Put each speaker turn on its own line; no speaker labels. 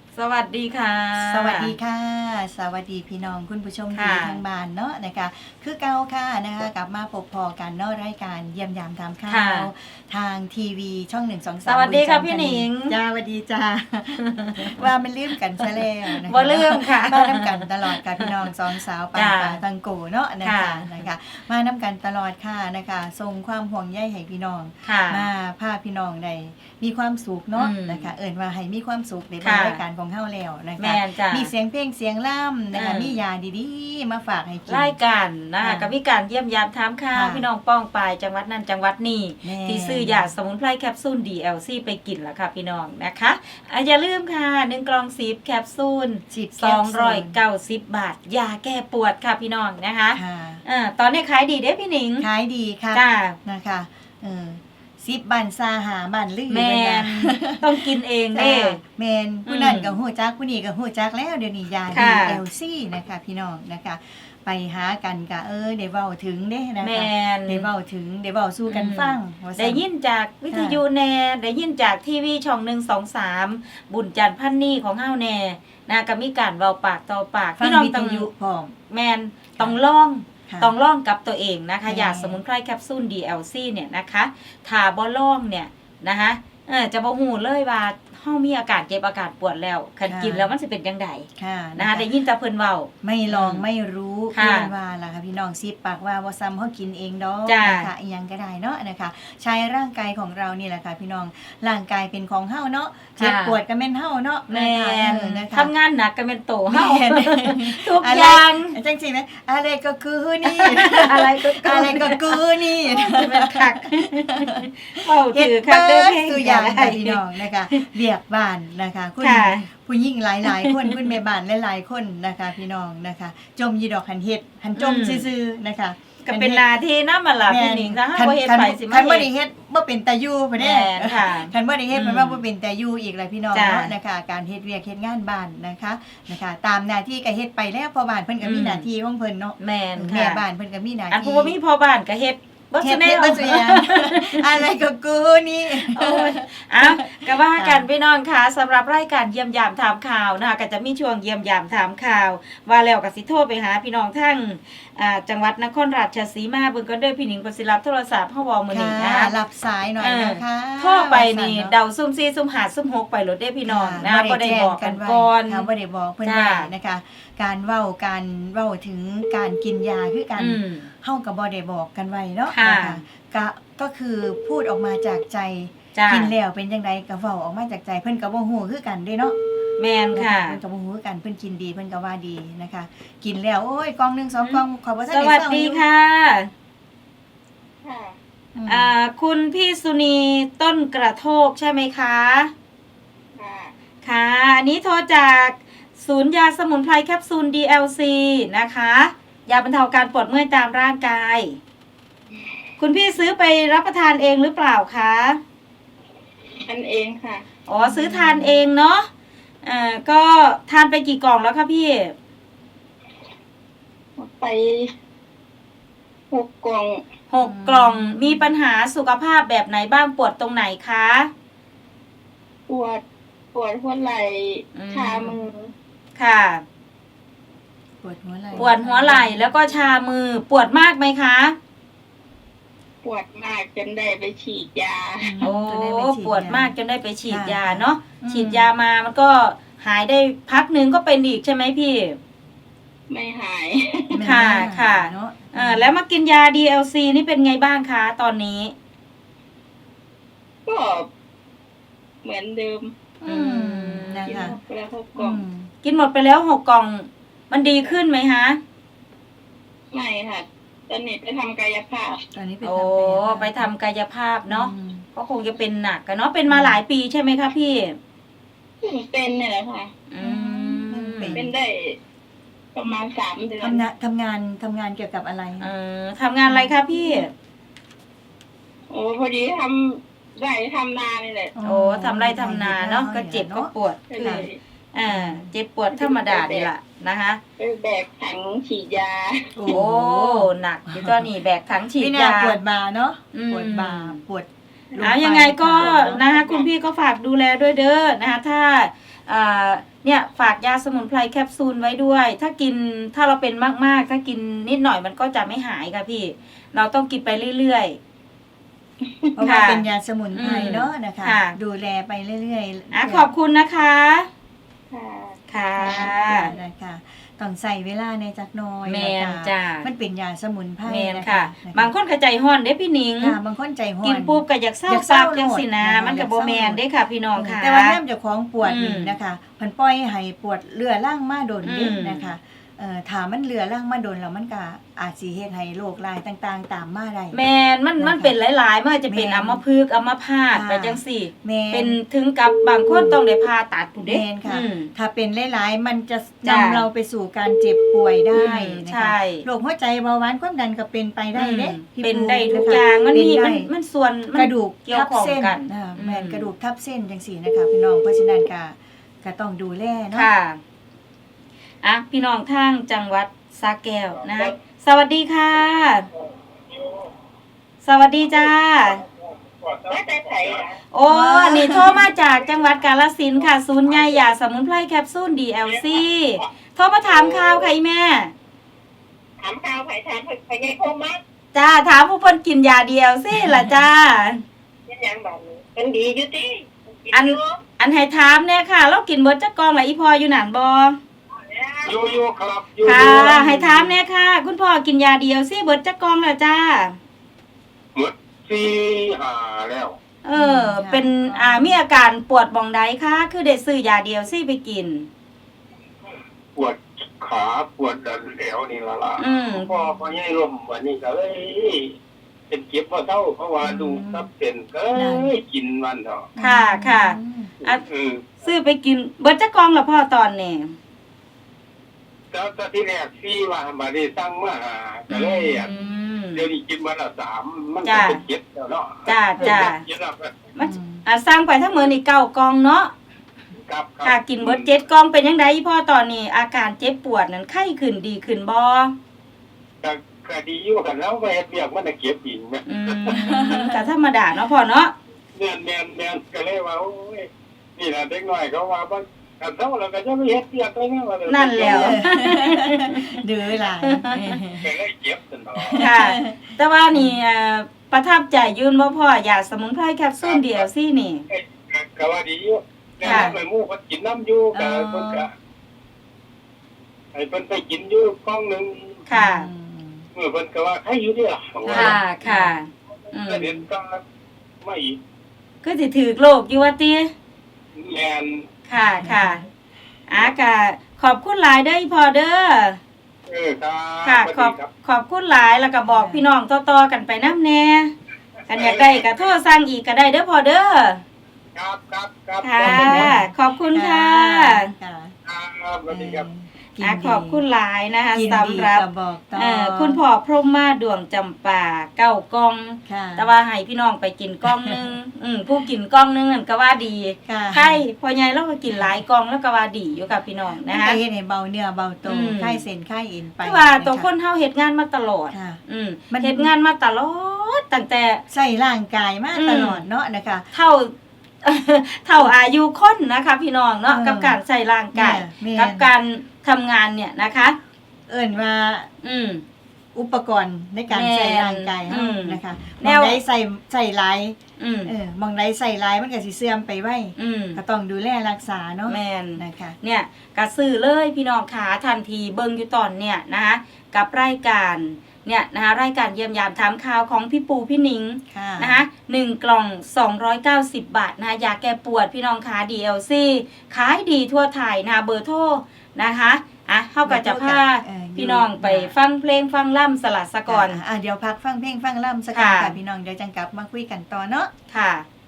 สวัสดีค่ะ
สวัสดีค่ะสวัสดีพี่น้องคุณผู้ชมที่ทางบ้านเนาะนะคะคือเก่าค่ะนะคะกลับมาพบพอกันเนาะรายการเยี่ยมยามถามข่าวทางทีวีช่อง1 2 3
สวัสดีค่ะพี่หนิง
จ้าสวัสดีจ้าว่ามันลืมกันซะแล้วนะคะ
บ่ลืมค่ะ
มาน้ำกันตลอดกับพี่น้องสองสาวปันป่าตังโกเนาะนะคะมาน้ำกันตลอดค่ะนะคะส่งความห่วงใยให้พี่น้องมาพาพี่น้องได้มีความสุขเนาะนะคะเอิ่นว่าให้มีความสุขในรายการของเฮาแล้วนะคะมีเสียงเพลงเสียงล่ำนะคะมียาดีๆมาฝากให้กิน
รายการนะคะกับพี่การเยี่ยมยามถามข่าวพี่น้องป้องปายจังหวัดนั้นจังหวัดนี้ที่ซื้อยาสมุนไพรแคปซูล DLC ไปกินแล้วค่ะพี่น้องนะคะอย่าลืมค่ะ1กล่อง10แคปซูล290 บาทยาแก้ปวดค่ะพี่น้องนะคะตอนนี้ขายดีเด้พี่หนิง
ขายดีค่ะนะคะ10 บันซาหาบันลือ
แม่นต้องกินเองเด้
แม่นผู้นั้นก็ฮู้จักผู้นี้ก็ฮู้จักแล้วเดี๋ยวนี้ยา DLC นะคะพี่น้องนะคะไปหากันก็ได้เว้าถึงเด้นะคะได้เว้าถึงได้เว้าสู่กันฟัง
ได้ยินจากวิทยุแน่ได้ยินจากทีวีช่อง1 2 3บุญจันทร์พันนี่ของเฮาแน่นะก็มีการเว้าปากต่อปาก
พี่น้องต้องอยู่พร้อม
แม่นต้องลองกับตัวเองนะคะยาสมุนไพรแคปซูล DLC เนี่ยนะคะถ้าบ่ลองเนี่ยนะคะจะบ่ฮู้เลยว่าเฮามีอาการเจ็บอาการปวดแล้วคันกินแล้วมันสิเป็นจังได๋นะคะได้ยินแต่เพิ่นเว้า
ไม่ลองไม่รู้เพิ่นว่าล่ะค่ะพี่น้องสิปากว่าบ่ซ้ำเฮากินเองดอกนะคะอีหยังก็ได้เนาะนะคะใช้ร่างกายของเรานี่แหละค่ะพี่น้องร่างกายเป็นของเฮาเนาะเจ็บปวดก็แม่นเฮาเนาะ
แม่นทำงานหนักก็แม่นโตเฮาทุกอย่าง
จังซี่มั้ยอะไรก็คือนี่
อะไร
ก็คือนี่
แม่นคักเว้าถือคักเด้อ
ตัวอย่างพี่น้องนะคะเรียกบ้านนะคะคุณผู้หญิงหลายๆคนคุณแม่บ้านหลายๆคนนะคะพี่น้องนะคะจมยีดอกหันเฮ็ดหันจมซื่อๆนะคะ
ก็เป็นหน้าที่นำมาล่ะพี่หนิงถ้าบ่เฮ็ดไปสิมา
คันบ่ได้เฮ็ดบ่เป็นตาอยู่พุ่นเด้คันบ่ได้เฮ็ดมันว่าบ่เป็นตาอยู่อีกล่ะพี่น้องเนาะนะคะการเฮ็ดเวียกเฮ็ดงานบ้านนะคะตามหน้าที่ก็เฮ็ดไปแล้วพ่อบ้านเพิ่นก็มีหน้าที่ของเพิ่นเนาะ
แม่นค่ะ
แม่บ้านเพิ่นก็มีหน้าที่
อันผู้บ่มีพ่อบ้านก็เฮ็ด
เฮ็ดบ่ซุอย่างอะไรก็กูนี่
โอ้ยก็ว่ากันพี่น้องค่ะสำหรับรายการเยี่ยมยามถามข่าวนะคะก็จะมีช่วงเยี่ยมยามถามข่าวว่าแล้วก็สิโทรไปหาพี่น้องทั้งจังหวัดนครราชสีมาเบิ่งก็เด้อพี่หนิงก็สิรับโทรศัพท์เฮาบ่มื้อนี้นะคะ
รับสายหน่อยนะคะ
โทรไปนี่เดาซุ่ม4ซุ่ม5ซุ่ม6ไปโลดเด้พี่น้องนะบ่ได้บอกกันก่อน
บ่ได้บอกเพิ่นได้นะคะการเว้าถึงการกินยาคือกันเฮาก็บ่ได้บอกกันไว้เนาะนะคะก็คือพูดออกมาจากใจกินแล้วเป็นจังไดก็เว้าออกมาจากใจเพิ่นก็บ่ฮู้คือกันเด้เนาะ
แม่นค่ะ
เพิ่นก็บ่ฮู้คือกันเพิ่นกินดีเพิ่นก็ว่าดีนะคะกินแล้วโอ้ยกล่องนึง2กล่องขอบ่ทัน
ได้สวัสดีค่ะคุณพี่สุนีต้นกระโทกใช่ไหมคะค่ะอันนี้โทรจากศูนย์ยาสมุนไพรแคปซูล DLC นะคะยาบรรเทาการปวดเมื่อยตามร่างกายคุณพี่ซื้อไปรับประทานเองหรือเปล่าคะ
ทานเองค่ะ
อ๋อซื้อทานเองเนาะก็ทานไปกี่กล่องแล้วคะพี่
ไป6 กล่อง
6 กล่องมีปัญหาสุขภาพแบบไหนบ้างปวดตรงไหนคะ
ปวดหัวไหล่ชามือ
ค่ะ
ปวดหัว
ไหล่แล้วก็ชามือปวดมากไหมคะ
ปวดมากจนได้ไปฉีดยา
โอ้ปวดมากจนได้ไปฉีดยาเนาะฉีดยามามันก็หายได้พักนึงก็เป็นอีกใช่ไหมพี่
ไม่หาย
ค่ะแล้วมากินยา DLC นี่เป็นไงบ้างคะตอนนี้
ก็เหมือนเดิม
นะคะ
แล้ว6 กล่อง
กินหมดไปแล้ว6 กล่องมันดีขึ้นไหมฮะ
ไม่ค่ะตอนนี้ไปทำกายภาพ
ไปทำกายภาพเนาะก็คงจะเป็นหนักกันเนาะเป็นมาหลายปีใช่ไหมคะพี่
เป็นเนี่ยแหละค่ะเป็นได้ประมาณ3 เดือน
ทำงานเกี่ยวกับอะไร
ทำงานอะไรคะพี่
โอ้พอดีทำไร่ทำนานี่แหละ
ทำไร่ทำนาเนาะก็เจ็บก็ปวดเจ็บปวดธรรมดาดีล่ะนะคะ
แบกถังฉีดยา
โอ้หนักอยู่ก็นี่แบกถังฉีดยา
ปวดบ่าเนาะปวดบ่าปวด
ยังไงก็นะคะคุณพี่ก็ฝากดูแลด้วยเด้อนะคะถ้าเนี่ยฝากยาสมุนไพรแคปซูลไว้ด้วย ถ้าเราเป็นมากๆถ้ากินนิดหน่อยมันก็จะไม่หายค่ะพี่เราต้องกินไปเรื่อยๆ
เพราะว่าเป็นยาสมุนไพรเนาะนะคะ
ค่ะ
ดูแลไปเรื่อยๆ
ขอบคุณนะคะ
ค่ะ
ค่ะ
นะคะต้องใส่เวลาในจักหน้อย
แม่น
นะคะ
จ้า
มันเป็นยาสมุนไพร
แม่น
นะ
ค่ะ
คะ
บางคนก็ใจฮ้อนเด้พี่หนิง
ค่ะบางคนใจห้อน
กินปุ๊บก็อยากเศร้า
อยากเศ
ซั
ร้า
บจังสินะ
โลด
มันก็
อยาก
บ่
เศร้า
แม่นเด้ค่ะพี่น้องค่ะ
แต่ว่าน้ำเจ้าของปวดนี่
อืม
นะคะเพิ่นปล่อยให้ปวดเรื้อรังมาโดนเด้
อืม
นะคะถ้ามันเรื้อรังมาโดนแล้วมันก็อาจสิเฮ็ดให้โรคร้ายต่างๆ ตามมาได้
แม่นมันเป็นหลายๆมันจะเป็น
แม่น
อัมพฤกษ์อัมพาต
ค่ะ
ไปจังซี่
แม่
เป็นถึงกับบางคนต้องได้ผ่าตัดผู้เด้
แม่นค่ะ
อืม
ถ้าเป็นหลายๆมันจะ
จ้ะ
นำเราไปสู่การเจ็บป่วยได้
อืม
นะ
ใช่
คะโรคหัวใจเบาหวานความดันก็เป็นไปได้เด้พี่
เป็น
ปู
ได้ทุก
นะคะ
อย่างมัน
เป็
มี
ได้
มันส่วนมัน
กระดูก
เกี่ยว
ทับ
ข้อง
เส้น
กัน
แม่นกระดูกทับเส้นจังซี่นะคะพี่น้องเพราะฉะนั้นก็ต้องดูแลเนาะ
ค่ะพี่น้องทางจังหวัดสระแก้วนะคะสวัสดีค่ะ สวัสดีจ้า
ว่าแต่ไผอ่ะ
โอ้อันนี้โทรมาจากจังหวัดกาฬสินธุ์ค่ะ ศูนย์ใหญ่ยาสมุนไพรแคปซูล DLC โทรมาถามข่าวค่ะอีแม่
ถามข่าวไผถามไผใหญ่โคมมัด
จ้าถามผู้เพิ่นกินยา DLC ล่ะจ้า
เป็นหยังแบบนี้เป็นดีอยู่ติ
อันให้ถามเนี่ยค่ะ เรากินเบิดจักกองละอีพออยู่หนานบ่
อยู่ครับอยู่
ค่ะ ให้ถามเนี่ยค่ะ คุณพ่อกินยา DLC เบิดจักกองแล้วจ้า
หมด4-5แล้ว
เป็นมีอาการปวดบ่องใดคะคือได้ซื้อยา DLC ไปกิน
ปวดขาปวดดันแถวนี่ละล่ะ
อืม
พอใหญ่ลมวันนี้ก็เลยเป็นเก็บพอเท่าเพราะว่าดูครับเป็นก็กินมันเถอะ
ค่ะค่ะ อ่ะ ซื้อไปกินเบิดจักกองละพ่อตอนนี้
แล้วตอนที่แรกซี่ว่ามาได้ตั้งมาก็เลยเดี๋ยวนี้กินวันละ3มันก็เป็นเก็บแล้วเนาะ
จ้า
เก็บแล้วก็
มันสร้างไปทั้งมื้อนี่9กองเนาะ
ครับ
ค่ะกินเบิด7กองเป็นจังไดพ่อตอนนี้ อาการเจ็บปวดนั้นไข้ขึ้นดีขึ้นบ่
ก็ดีอยู่กันแล้วไปเฮ็ดเวียกมันน่ะเก็บอีกแม่
ก็ธรรมดาเนาะพ่อเนาะ
แม่นก็เลยว่าโอ้ยนี่ล่ะเด็กน้อยเขาว่าบ่อันเท่าแล้วก็จะไปเฮ็ดเวียกไปแม่ว่า
นั่นแล้ว
ดื้อหลาย
ก็เลยเจ็บซั่นเนาะ
ค่ะ แต่ว่านี่ประทับใจยืนบ่พ่อยาสมุนไพรแคปซูล DLC นี่
ก็ว่าดีอยู่แต่ว่าไปหมู่เพิ่นกินน้ำอยู่ก็เพิ่นก็ให้เพิ่นไปกินอยู่กล่องหนึง
ค่ะ
เมื่อเพิ่นก็ว่าใครอยู่เด้อ
ค่ะ
ก็เห็นก็ไม่อีก
ก็สิถือโรคอยู่ว่าติ
แม่น
ค่ะก็ขอบคุณหลายเด้ออีพ่อเด้อ
ครับ
ค่ะ
สวัสดีครับ
ขอบคุณหลายแล้วก็บอกพี่น้องต่อๆกันไปนำแน่กันอยากได้ก็โทรสั่งอีกก็ได้เด้อพ่อเด้อ
ครับ
ค่ะขอบคุณค่ะ
ครับสวัสดีครับ
ขอบคุณหลายนะคะ
กิน
สำ
ดี
หรับ
ก็บอกต่อ
คุณพ่อพรหมมาดวงจำปา9กล่อง
ค่ะ
แต่ว่าให้พี่น้องไปกินกล่องหนึง ผู้กินกล่องหนึงนั่นก็ว่าดี
ค่ะ
ใครพ่อใหญ่เราก็กินหลายกล่องแล้วก็ว่าดีอยู่กับพี่น้อง
นะ
นะคะ คะ
เฮ็ดให้เบาเนื้อเบาตัว
อืม
คลายเส้นคลายเอ็นไป
คือว่าตัว
ะะ
คนเฮาเฮ็ดงานมาตลอด
ค่ะ
มันเฮ็ดงานมาตลอดตั้งแต่
ใส่ร่างกายมา
อืม
ตลอดเนาะนะคะ
เท่า เท่าอายุคนนะคะพี่น้องเนาะ กับการใส่ร่างกาย
แม่
กับการทำงานเนี่ยนะคะ
เอิ้นว่า
อืม
อุปกรณ์ในการ
แม่น
ใส่ร่างกาย
อื
เฮาม นะคะ
แน
มอง
ว
ใดใส่หลาย
อืม
มองใดใส่หลายมันก็สิเสื่อมไปไว้
อืม
ก็ต้องดูแลรักษาเนาะ
แม่น
นะคะ
เนี่ยก็ซื้อเลยพี่น้องขาทันทีเบิ่งอยู่ตอนเนี่ยนะคะกับรายการเนี่ยนะคะรายการเยี่ยมยามถามข่าวของพี่ปูพี่หนิง
ค่ะ
นะคะ1กล่อง290 บาทนะคะยาแก้ปวดพี่น้องขา DLC ขายดีทั่วไทยนะคะเบอร์โทรนะคะเฮาก็จะพาพี่น้องไปฟังเพลงฟังล่ำสลัดสะก่อน
เดี๋ยวพักฟังเพลงฟังล่ำสักก่อนค่ะพี่น้องเดี๋ยวจังกลับมาคุยกันต่อเนาะ
ค่ะ